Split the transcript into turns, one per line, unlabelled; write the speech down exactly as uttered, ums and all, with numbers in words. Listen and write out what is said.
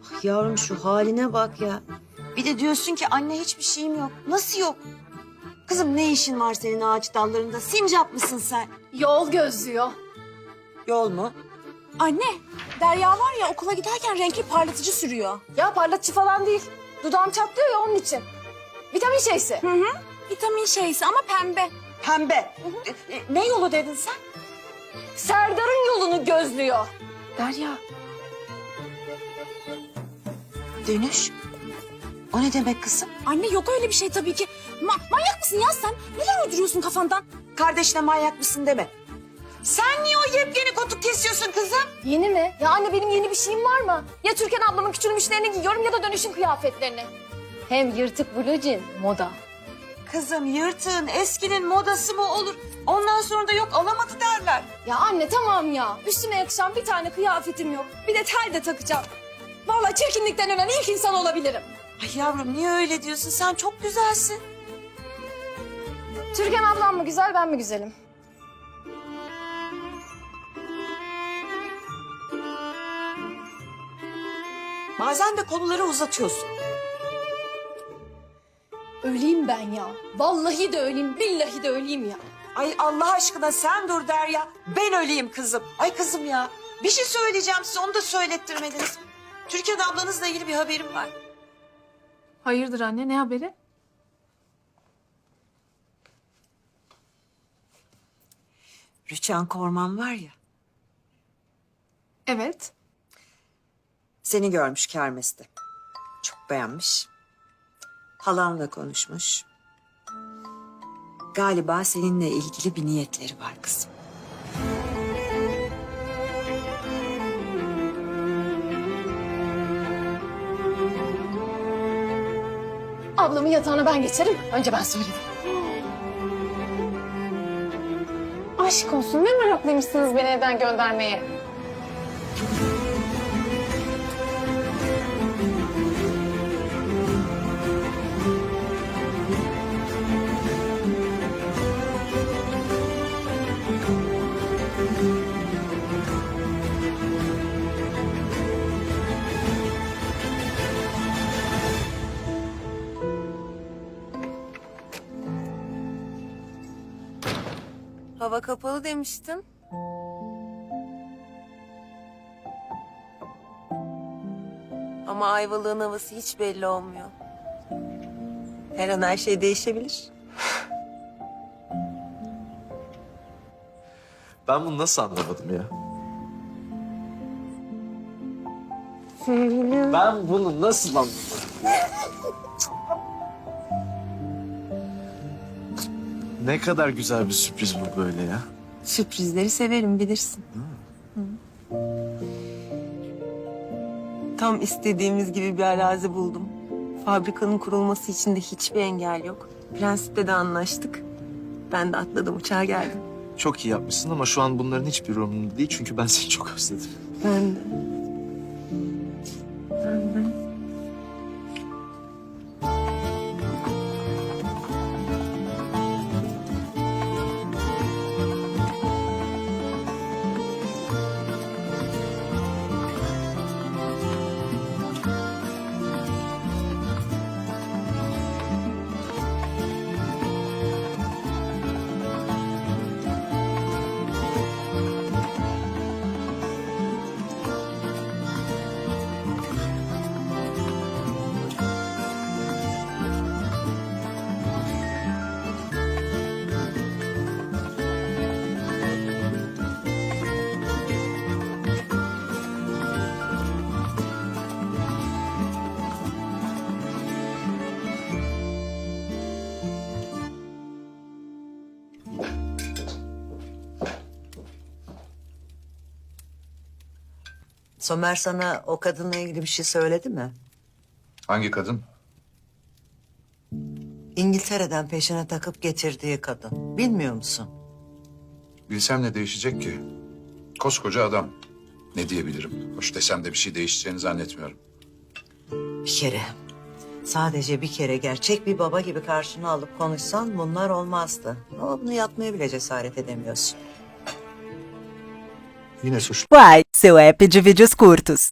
Ah yavrum şu haline bak ya. Bir de diyorsun ki anne hiçbir şeyim yok. Nasıl yok? Kızım ne işin var senin ağaç dallarında? Sincap mısın sen?
Yol gözlüyor.
Yol mu?
Anne, Derya var ya okula giderken renkli parlatıcı sürüyor. Ya parlatıcı falan değil. Dudağım çatlıyor ya onun için. Vitamin şeysi. Hı hı. Vitamin şeysi ama pembe.
Pembe. E, e, ne yolu dedin sen?
Serdar'ın yolunu gözlüyor. Derya.
Dönüş. O ne demek kızım?
Anne yok öyle bir şey tabii ki. Ma- manyak mısın ya sen? Neler uyduruyorsun kafandan?
Kardeşine manyak mısın deme. Sen niye o yepyeni kotuk kesiyorsun kızım?
Yeni mi? Ya anne benim yeni bir şeyim var mı? Ya Türkan ablamın küçülmüşlerini giyiyorum ya da dönüşüm kıyafetlerini. Hem yırtık blue jean moda.
Kızım yırtığın eskinin modası mı olur? Ondan sonra da yok alamadı derler.
Ya anne tamam ya. Üstüme yakışan bir tane kıyafetim yok. Bir de tel de takacağım. Vallahi çirkinlikten ölen ilk insan olabilirim.
Ay yavrum niye öyle diyorsun? Sen çok güzelsin.
Türkan ablam mı güzel ben mi güzelim?
Bazen de konuları uzatıyorsun.
Öleyim ben ya. Vallahi de öleyim, billahi de öleyim ya.
Ay Allah aşkına sen dur Derya. Ben öleyim kızım. Ay kızım ya. Bir şey söyleyeceğim size onu da söylettirmediniz. Türkan ablanızla ilgili bir haberim var.
Hayırdır anne ne haberi?
Rüçhan Korman var ya.
Evet.
Seni görmüş kermeste. Çok beğenmiş. Halanla konuşmuş. Galiba seninle ilgili bir niyetleri var kızım.
Ablamın yatağına ben geçerim. Önce ben söyledim. Aşk olsun ne meraklıymışsınız beni evden göndermeye.
Hava kapalı demiştin. Ama Ayvalık'ın havası hiç belli olmuyor. Her an her şey değişebilir.
Ben bunu nasıl anlamadım ya? Ben bunu nasıl anlamadım? Ne kadar güzel bir sürpriz bu böyle ya.
Sürprizleri severim bilirsin. Hı. Tam istediğimiz gibi bir arazi buldum. Fabrikanın kurulması için de hiçbir engel yok. Prensip'le de anlaştık. Ben de atladım uçağa geldim.
Çok iyi yapmışsın ama şu an bunların hiçbir umurumda değil çünkü ben seni çok özledim.
Ben de. Ben de.
Somer sana o kadınla ilgili bir şey söyledi mi?
Hangi kadın?
İngiltere'den peşine takıp getirdiği kadın. Bilmiyor musun?
Bilsem ne değişecek ki? Koskoca adam. Ne diyebilirim? Hoş desem de bir şey değişeceğini zannetmiyorum.
Bir kere, sadece bir kere gerçek bir baba gibi karşına alıp konuşsan bunlar olmazdı. Ama bunu yapmaya bile cesaret edemiyorsun.
Yine suçlu.
Quai, seu app de vídeos curtos.